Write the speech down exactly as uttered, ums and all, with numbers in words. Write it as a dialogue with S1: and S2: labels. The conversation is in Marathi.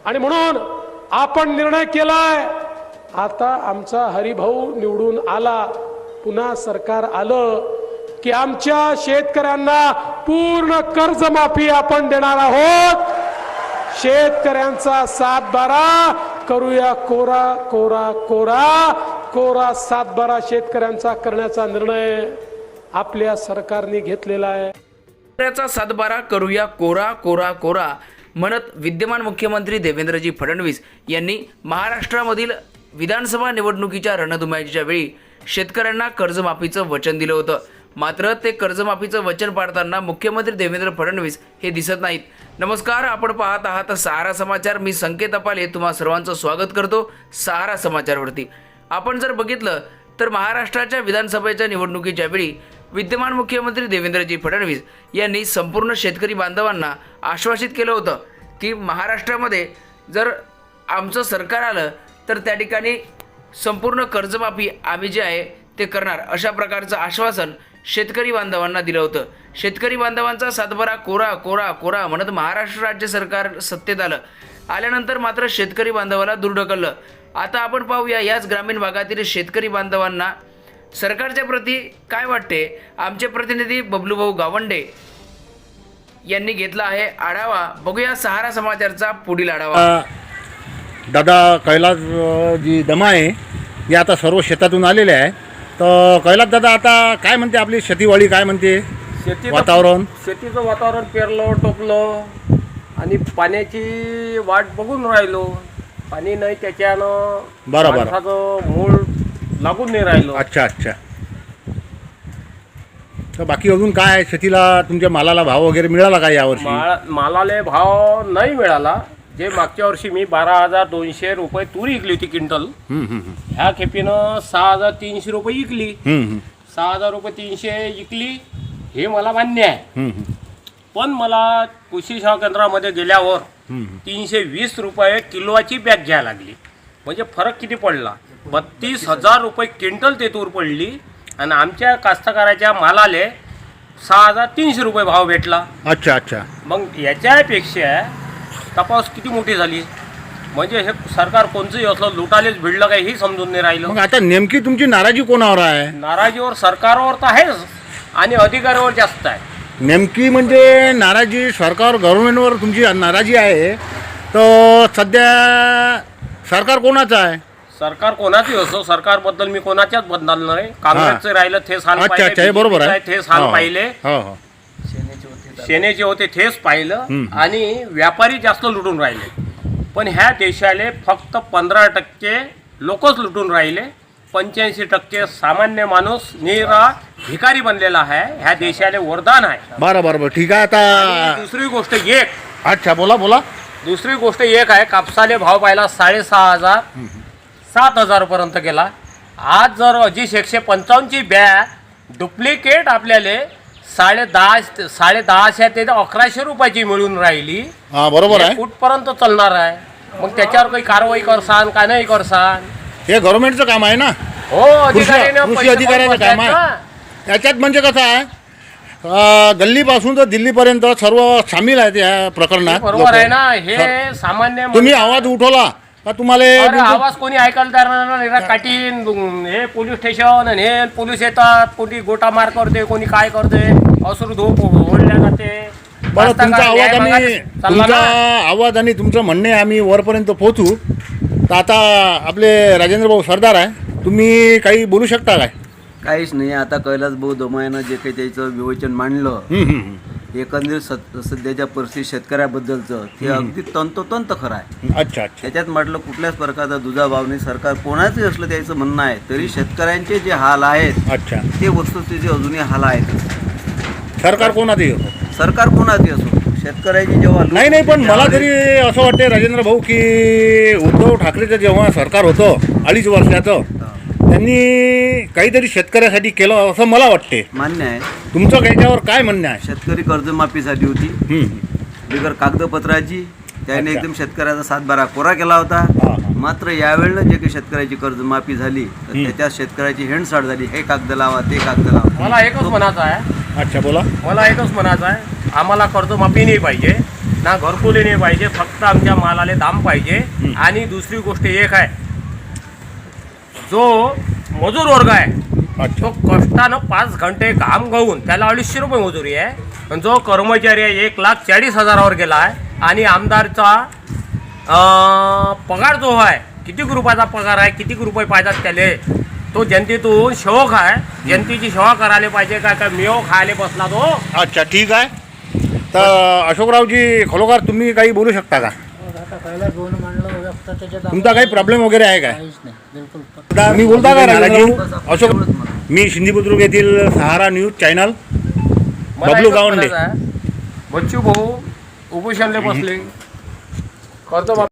S1: आणि म्हणून आपण निर्णय केलाय, आता आमचा हरिभाऊ निवडून आला, पुन्हा सरकार आलं की आमच्या शेतकऱ्यांना पूर्ण कर्जमाफी आपण देणार आहोत. शेतकऱ्यांचा सातबारा करूया कोरा कोरा कोरा कोरा सातबारा शेतकऱ्यांचा करण्याचा निर्णय आपल्या सरकारने घेतलेला आहे.
S2: शेतकऱ्याचा सातबारा करूया कोरा कोरा कोरा म्हणत विद्यमान मुख्यमंत्री देवेंद्रजी फडणवीस यांनी महाराष्ट्रामधील विधानसभा निवडणुकीच्या रणधुमाळीच्या वेळी शेतकऱ्यांना कर्जमाफीचं वचन दिलं होतं. मात्र ते कर्जमाफीचं वचन पाळताना मुख्यमंत्री देवेंद्र फडणवीस हे दिसत नाहीत. नमस्कार, आपण पाहत आहात सहारा समाचार. मी संकेत अपाले तुम्हा सर्वांचं स्वागत करतो सहारा समाचारवरती. आपण जर बघितलं तर महाराष्ट्राच्या विधानसभेच्या निवडणुकीच्या वेळी विद्यमान मुख्यमंत्री देवेंद्रजी फडणवीस यांनी संपूर्ण शेतकरी बांधवांना आश्वासित केलं होतं की महाराष्ट्रामध्ये जर आमचं सरकार आलं तर त्या ठिकाणी संपूर्ण कर्जमाफी आम्ही जे आहे ते करणार, अशा प्रकारचं आश्वासन शेतकरी बांधवांना दिलं होतं. शेतकरी बांधवांचा सातबारा कोरा कोरा कोरा म्हणत महाराष्ट्र राज्य सरकार सत्तेत आलं. आल्यानंतर मात्र शेतकरी बांधवाला दूर ढकललं. आता आपण पाहूया याच ग्रामीण भागातील शेतकरी बांधवांना सरकारच्या प्रती काय वाटते. आमचे प्रतिनिधी बबलूभाऊ गावंडे यांनी घेतला आहे आढावा. बघूया सहारा समाचारचा पुढील आढावा.
S3: दादा कैलास जी दमा आहे हे आता सर्व शेतातून आलेले आहे. तर कैलास दादा आता काय म्हणते आपली शेतीवाडी, काय म्हणते
S4: शेती
S3: वातावरण?
S4: शेतीचं वातावरण पेरलो टोपलं आणि पाण्याची वाट बघून राहिलो. पाणी नाही त्याच्यानं
S3: बरोबर
S4: माणसाचं मूळ लागून नाही राहिलो.
S3: अच्छा अच्छा. तर बाकी अजून काय शेतीला तुमच्या मालाला भाव वगैरे मिळाला का यावर्षी?
S4: मा मालाले भाव नाही मिळाला. जे मागच्या वर्षी मी बारा हजार दोनशे रुपये तूर विकली होती क्विंटल, ह्या खेपीनं सहा हजार तीनशे रुपये विकली. सहा हजार रुपये तीनशे विकली हे मला मान्य आहे. पण मला कृषी सेवा केंद्रामध्ये गेल्यावर तीनशे वीस रुपये किलोची बॅग घ्यायला लागली. म्हणजे फरक किती पडला? बत्तीस हजार रुपये क्विंटल ते तूर पडली आणि आमच्या कास्तकाराच्या मालाले सहा हजार तीनशे रुपये भाव भेटला.
S3: अच्छा अच्छा.
S4: मग याच्यापेक्षा तपास किती मोठी झाली. म्हणजे हे सरकार कोणचंही असलं लुटालेच भिडलं काय हे समजून नाही राहिलं.
S3: मग आता नेमकी तुमची नाराजी कोणावर आहे?
S4: नाराजीवर सरकारवर तर आहेच आणि अधिकाऱ्यावर जास्त आहे.
S3: नेमकी म्हणजे नाराजी सरकार गव्हर्नमेंटवर तुमची नाराजी आहे. तर सध्या सरकार कोणाचं आहे?
S4: सरकार कोणाची असो, सरकारबद्दल मी कोणाच्याच बदनाल नाही. काँग्रेसचं राहिलं तेच हाल
S3: अच्छा अच्छा, हे बरोबर आहे.
S4: तेच हाल पाहिले,
S3: हो हो.
S4: सेनेचे होते तेच पाहिलं आणि व्यापारी जास्त लुटून राहिले. पण ह्या देशाले फक्त पंधरा टक्के लोकच लुटून राहिले. पंच्याऐंशी टक्के सामान्य माणूस निरा भिकारी बनलेला आहे. ह्या देशाले वरदान आहे.
S3: बरं बरं बरं, ठीक आहे. आता
S4: दुसरी गोष्ट एक
S3: अच्छा बोला बोला.
S4: दुसरी गोष्ट एक आहे, कापसाले भाव पाहिला साडेसहा हजार सात हजार पर्यंत गेला. आज जर अजीश एकशे पंचावन्नची बॅग डुप्लिकेट आपल्याला साडे दहा साडे दहाशे ते अकराशे रुपयाची मिळून राहिली.
S3: हा बरोबर आहे.
S4: कुठपर्यंत चालणार आहे? मग त्याच्यावर काही कारवाई करसान का नाही करसान?
S3: हे गव्हर्नमेंटचं काम आहे ना.
S4: हो, अधिकाऱ्यानं
S3: कृषी अधिकाऱ्याचं काम आहे. याच्यात म्हणजे कसं आहे, गल्लीपासून तर दिल्लीपर्यंत सर्व सामील आहेत या प्रकरणात.
S4: बरोबर आहे ना. हे सामान्य
S3: तुम्ही आवाज उठवला का तुम्हाला
S4: आवाज कोणी ऐकायला तयार नाही. काटीन हे पोलीस स्टेशन आणि हे पोलीस येतात, कोणी गोटा मार करते, कोणी काय करते, अश्रू धूप ओढल्या जाते.
S3: बरं, तुमचा आवाज आम्ही तुमचा आवाज आणि तुमचं म्हणणे आम्ही वरपर्यंत पोहोचू. तर आता आपले राजेंद्र भाऊ सरदार आहे, तुम्ही काही बोलू शकता काय?
S5: काहीच नाही. आता कैलास भाऊ दमायानं जे काही त्याचं विवेचन मांडलं, एकंदरीत सध्याच्या परिस्थितीत शेतकऱ्याबद्दलचं ते अगदी तंतोतंत खरं आहे.
S3: अच्छा अच्छा.
S5: त्याच्यात म्हटलं कुठल्याच प्रकारचा दुजाभाव नाही. सरकार कोणाचंही असलं त्याचं म्हणणं आहे, तरी शेतकऱ्यांचे जे हाल आहेत
S3: अच्छा
S5: ते वस्तुस्थिती अजूनही हाल आहेत.
S3: सरकार कोणाचंही असो,
S5: सरकार कोणाचंही असो, शेतकऱ्याची जेव्हा
S3: नाही नाही पण मला तरी असं वाटतं राजेंद्र भाऊ की उद्धव ठाकरेचं जेव्हा सरकार होतं अडीच वर्षाचं, त्यांनी काहीतरी शेतकऱ्यासाठी केलं असं मला वाटते.
S5: मान्य आहे.
S3: तुमचं त्याच्यावर काय म्हणणं आहे?
S5: शेतकरी कर्जमाफीसाठी होती बिगर कागदपत्राची. त्याने एकदम शेतकऱ्याचा सातबारा कोरा केला होता. मात्र यावेळेला जे काही शेतकऱ्याची कर्जमाफी झाली तर त्याच्यात शेतकऱ्याची हेंडसाड झाली. हे कागद लावा, ते कागद लावा.
S4: मला एकच म्हणायचं आहे.
S3: अच्छा बोला.
S4: मला एकच म्हणायचं आहे, आम्हाला कर्जमाफी नाही पाहिजे. ना घरकुली नाही पाहिजे, फक्त आमच्या मालाले दाम पाहिजे. आणि दुसरी गोष्ट एक आहे, जो मजूर वर्ग आहे तो कष्टानं पाच घंटे घाम गाऊन त्याला अडीचशे रुपये मजुरी आहे. पण जो कर्मचारी आहे एक लाख चाळीस हजारावर गेला आहे. आणि आमदारचा अं, पगार जो आहे, किती रुपयाचा पगार आहे, किती रुपये पाहिजेत त्याले, तो जनतेतून सेवक आहे. जनतेची सेवा करायला पाहिजे. काय काय मेव खायला बसला तो.
S3: अच्छा, ठीक आहे. तर अशोकरावजी खरोखर तुम्ही काही बोलू शकता का? तुमचा काही प्रॉब्लेम वगैरे आहे काय? मी बोलता का राजाजी? अशोक, मी सिंधी बुद्रुक येथील सहारा न्यूज चॅनल
S4: मला
S3: बबलू
S4: एकच
S3: गावंडे.
S4: म्हणायचं आहे, बच्चू भाऊ उपोषणले बसले कर्ज